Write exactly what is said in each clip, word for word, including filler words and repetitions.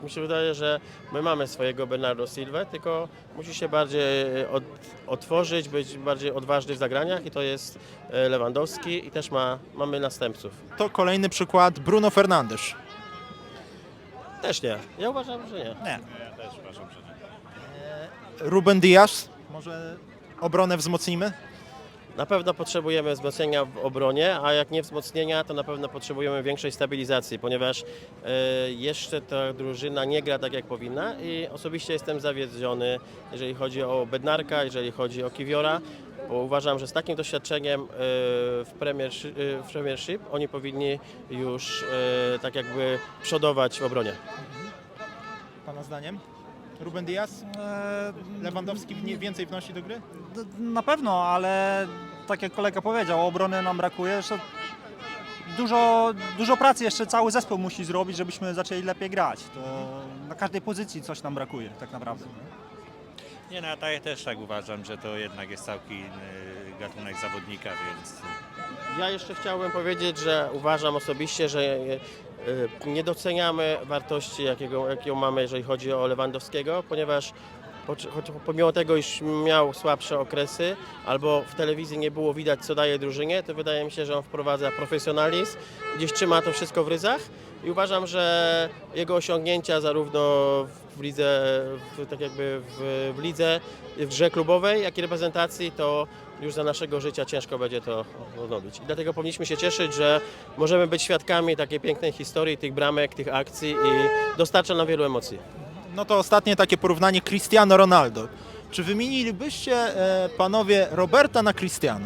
Mi się wydaje, że my mamy swojego Bernardo Silvę, tylko musi się bardziej od, otworzyć, być bardziej odważny w zagraniach i to jest e, Lewandowski i też ma, mamy następców. To kolejny przykład Bruno Fernandes. Też nie. Ja uważam, że nie. Nie. Ruben Dias. Może obronę wzmocnimy? Na pewno potrzebujemy wzmocnienia w obronie, a jak nie wzmocnienia, to na pewno potrzebujemy większej stabilizacji, ponieważ e, jeszcze ta drużyna nie gra tak jak powinna i osobiście jestem zawiedziony, jeżeli chodzi o Bednarka, jeżeli chodzi o Kiwiora, bo uważam, że z takim doświadczeniem e, w, Premiershi- e, w Premiership oni powinni już e, tak jakby przodować w obronie. Pana zdaniem? Ruben Dias? Eee, Lewandowski nie- więcej wnosi do gry? d- Na pewno, ale tak jak kolega powiedział, obrony nam brakuje. Jeszcze dużo, dużo pracy jeszcze cały zespół musi zrobić, żebyśmy zaczęli lepiej grać. To na każdej pozycji coś nam brakuje tak naprawdę. Nie, no ja tak- też tak uważam, że to jednak jest całkiem inny gatunek zawodnika, więc Ja jeszcze chciałbym powiedzieć, że uważam osobiście, że e, e, nie doceniamy wartości, jakiego, jaką mamy, jeżeli chodzi o Lewandowskiego, ponieważ choć, choć pomimo tego, iż miał słabsze okresy, albo w telewizji nie było widać, co daje drużynie, to wydaje mi się, że on wprowadza profesjonalizm, gdzieś trzyma to wszystko w ryzach i uważam, że jego osiągnięcia zarówno w lidze, w, tak jakby w, w lidze, w grze klubowej, jak i reprezentacji, to już za naszego życia ciężko będzie to odnowić. I dlatego powinniśmy się cieszyć, że możemy być świadkami takiej pięknej historii, tych bramek, tych akcji i dostarcza nam wielu emocji. No to ostatnie takie porównanie Cristiano Ronaldo. Czy wymienilibyście e, panowie Roberta na Cristiano?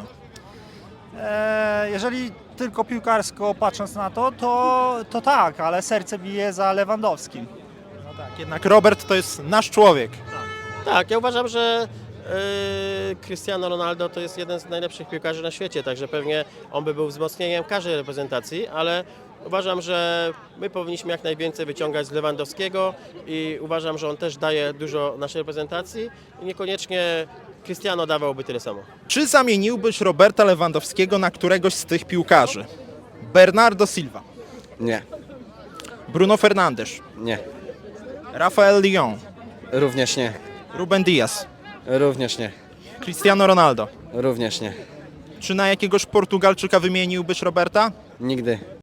Eee, jeżeli tylko piłkarsko patrząc na to, to, to tak, ale serce bije za Lewandowskim. No tak, jednak Robert to jest nasz człowiek. Tak, ja uważam, że yy, Cristiano Ronaldo to jest jeden z najlepszych piłkarzy na świecie, także pewnie on by był wzmocnieniem każdej reprezentacji, ale uważam, że my powinniśmy jak najwięcej wyciągać z Lewandowskiego i uważam, że on też daje dużo naszej reprezentacji i niekoniecznie Cristiano dawałby tyle samo. Czy zamieniłbyś Roberta Lewandowskiego na któregoś z tych piłkarzy? Bernardo Silva, Nie, Bruno Fernandes, nie, Rafael Leão, również nie, Ruben Dias, również nie, Cristiano Ronaldo. również nie. Czy na jakiegoś Portugalczyka wymieniłbyś Roberta? Nigdy.